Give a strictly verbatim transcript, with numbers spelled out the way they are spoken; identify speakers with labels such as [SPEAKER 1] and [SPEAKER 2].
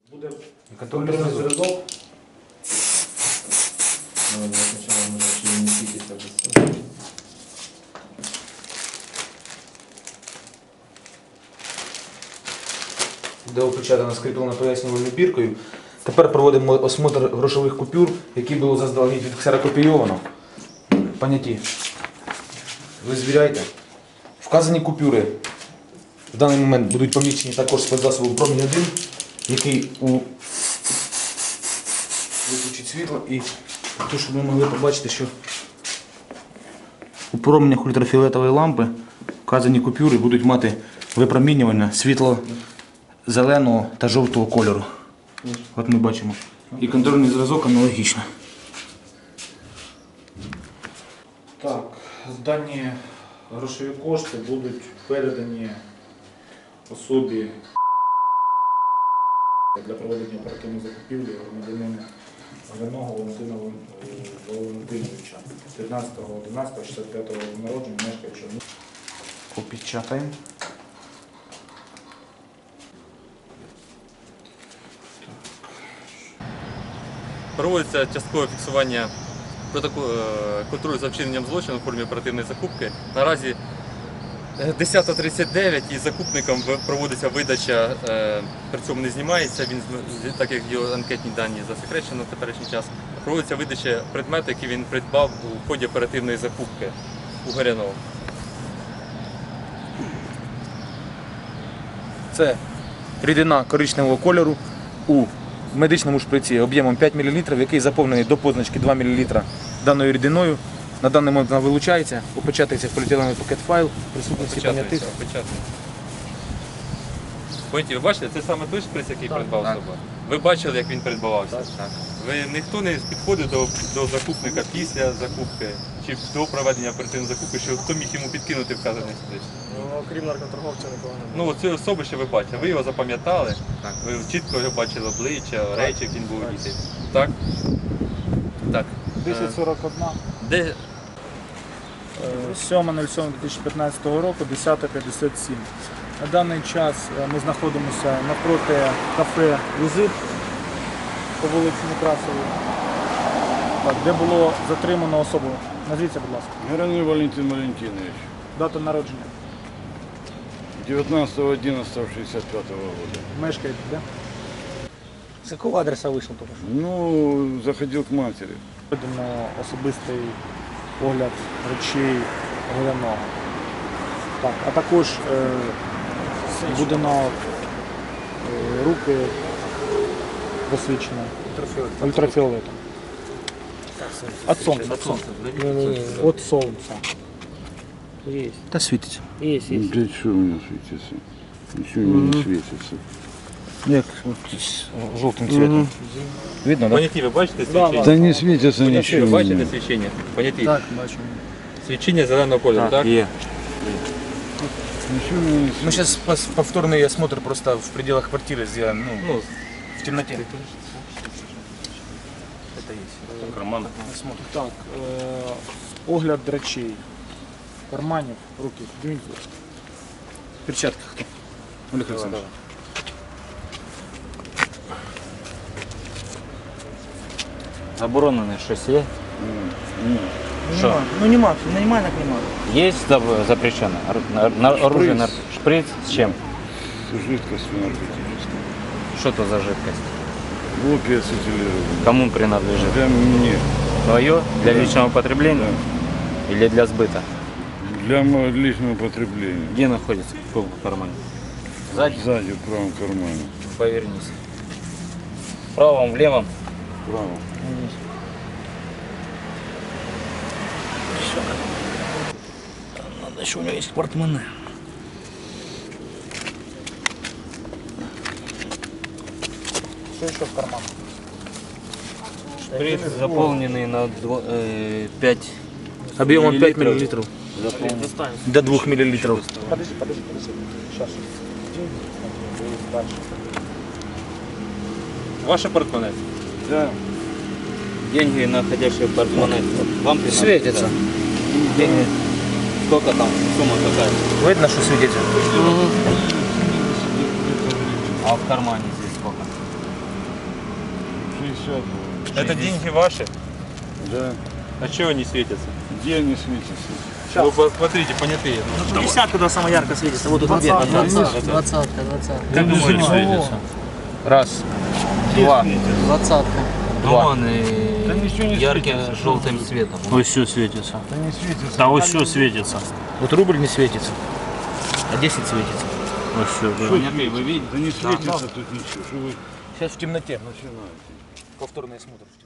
[SPEAKER 1] Буде
[SPEAKER 2] контрольний зв'язок.
[SPEAKER 1] Ну, спочатку може ще не світиться без цього.
[SPEAKER 2] Де опечатано скріплено пояснювальною біркою. Тепер проводимо осмотр грошових купюр, які було заздалегідь відксерокопійовано. Поняті. Ви звіряйте. Вказані купюри в даний момент будуть помічені також спецзасобом промінь один, який у виключить світло і то, щоб ви могли побачити, що у променях ультрафіолетової лампи вказані купюри будуть мати випромінювання світло зеленого та жовтого кольору. От ми бачимо. І контрольний зразок аналогічно. Так, дані грошові кошти будуть передані особі для проведення оперативної закупівлі громадянина Галяного Валентина Валентиновича, тринадцятого одинадцятого шістдесят п'ятого року народження, мешкаючи в місті. Попечатаємо.
[SPEAKER 3] Проводиться часткове фіксування контролю за вчиненням злочину в формі оперативної закупки. Наразі десята тридцять дев'ять і закупником проводиться видача, при цьому не знімається, він, так як його анкетні дані засекречено в теперішній час, проводиться видача предмету, який він придбав у ході оперативної закупки у Горяного.
[SPEAKER 2] Це рідина коричневого кольору у медичному шприці об'ємом п'ять мілілітрів, який заповнений до позначки два мілілітри даною рідиною. На даний момент вона вилучається, опечатується в поліетиленовий пакет файл, присутні всі понятих.
[SPEAKER 3] Поняті, ви бачите, це саме той шприц, який так, придбав так. собою. Ви бачили, як він придбавався? Так, так. Ви ніхто не підходив до, до закупника після закупки чи до проведення оперативної закупки, що хто міг йому підкинути вказаний шприц?
[SPEAKER 4] Ну, окрім наркоторговця нікого не
[SPEAKER 3] Ну,
[SPEAKER 4] було.
[SPEAKER 3] оцю особу ще ви бачите, ви його запам'ятали, ви чітко його бачили обличчя, речі, як він був одітий. Так? Так.
[SPEAKER 4] десять сорок один.
[SPEAKER 3] Де?
[SPEAKER 4] сьоме сьоме дві тисячі п'ятнадцятого року, десята п'ятдесят сім. На даний час ми знаходимося навпроти кафе «Візит» по вулиці Некрасовій, де було затримано особу. Назвіться, будь ласка.
[SPEAKER 5] Горяный Валентин Валентинович.
[SPEAKER 4] Дата народження.
[SPEAKER 5] девятнадцатого одиннадцатого шестьдесят пятого года.
[SPEAKER 4] Мешкаєте, де?
[SPEAKER 6] С какого адреса вышел только что?
[SPEAKER 5] Ну, заходил к матери.
[SPEAKER 4] Проведено особистий огляд речей Голяного. Так, а також е, будено е, руки посвідчені ультрафіолетом. От сонця.
[SPEAKER 3] От сонця.
[SPEAKER 4] От сонця.
[SPEAKER 6] Есть.
[SPEAKER 2] Та світиться.
[SPEAKER 6] Есть, есть.
[SPEAKER 5] Для чего у меня светится? Ничего mm-hmm. не светится.
[SPEAKER 2] Як жовтим цвітом. Видно, так?
[SPEAKER 3] Поняті, ви бачите свічення?
[SPEAKER 5] Да не светится
[SPEAKER 3] Поняті,
[SPEAKER 5] ничего.
[SPEAKER 3] ви бачите свічення? Поняті?
[SPEAKER 4] Так, бачимо.
[SPEAKER 3] Свічення зеленого кольору, так?
[SPEAKER 2] Є.
[SPEAKER 5] Ничего не
[SPEAKER 2] Мы
[SPEAKER 5] светится.
[SPEAKER 2] сейчас повторный осмотр просто в пределах квартиры сделаем, ну,
[SPEAKER 3] Ну,
[SPEAKER 2] в темноте. Это есть. Карман. Осмотр.
[SPEAKER 4] Так, е, огляд речей, карманів, руки. Дивіться.
[SPEAKER 2] В перчатках кто? Олег Александрович.
[SPEAKER 6] Заборонено щось є? Що?
[SPEAKER 4] Нема. Ну нема, нема, так нема.
[SPEAKER 6] Є заб- запрещено? Ор- на- на- Оружие, нар- шприц с чем?
[SPEAKER 5] Жидкость наркотическая.
[SPEAKER 6] Что это за жидкость?
[SPEAKER 5] Опия ацетилированная.
[SPEAKER 6] Кому принадлежит?
[SPEAKER 5] Для мне.
[SPEAKER 6] Твое? Для личного потребления? Или для сбыта?
[SPEAKER 5] Для моего личного потребления.
[SPEAKER 6] Где находится? В каком кармане? Сзади?
[SPEAKER 5] Сзади в правом кармане.
[SPEAKER 6] Повернись. В правом, в левом?
[SPEAKER 5] Право.
[SPEAKER 6] Надо еще, у него есть портмоне.
[SPEAKER 4] Що ще в карманах?
[SPEAKER 6] Шприц заполненный на дво- э, пять
[SPEAKER 2] Объемом пять
[SPEAKER 6] миллилитров.
[SPEAKER 2] миллилитров.
[SPEAKER 6] Заполнен.
[SPEAKER 2] До двух миллилитров.
[SPEAKER 4] Подожди, подожди, подожди. Сейчас. Дальше.
[SPEAKER 3] ваше портмоне?
[SPEAKER 5] Да.
[SPEAKER 6] Деньги, находящие в портмоне, вам принадлежат?
[SPEAKER 2] Светится.
[SPEAKER 6] Деньги. Сколько там? Сумма какая?
[SPEAKER 2] Видно, что светится?
[SPEAKER 6] А в кармане здесь сколько?
[SPEAKER 5] пятьдесят.
[SPEAKER 3] Это деньги ваши?
[SPEAKER 5] Да.
[SPEAKER 3] А чего они светятся?
[SPEAKER 5] Где они светятся?
[SPEAKER 3] Вы посмотрите, понятые.
[SPEAKER 4] Десятка, когда самая ярко светится. Вот тут двадцатка.
[SPEAKER 7] Двадцатка, двадцатка.
[SPEAKER 6] Как думаете, светится? Раз, два,
[SPEAKER 7] Двадцатка.
[SPEAKER 6] два.
[SPEAKER 5] Да ничего не
[SPEAKER 6] Ярким
[SPEAKER 5] светится.
[SPEAKER 6] желтым цветом.
[SPEAKER 8] Вот все светится.
[SPEAKER 5] Да не светится.
[SPEAKER 8] Да вот все светится.
[SPEAKER 2] Вот рубль не светится, а десять светится.
[SPEAKER 8] Вот все, да.
[SPEAKER 6] Понятые, вы видите?
[SPEAKER 5] Да не светится тут ничего. Что вы
[SPEAKER 2] Сейчас в темноте.
[SPEAKER 5] начинаете?
[SPEAKER 2] Повторный осмотр.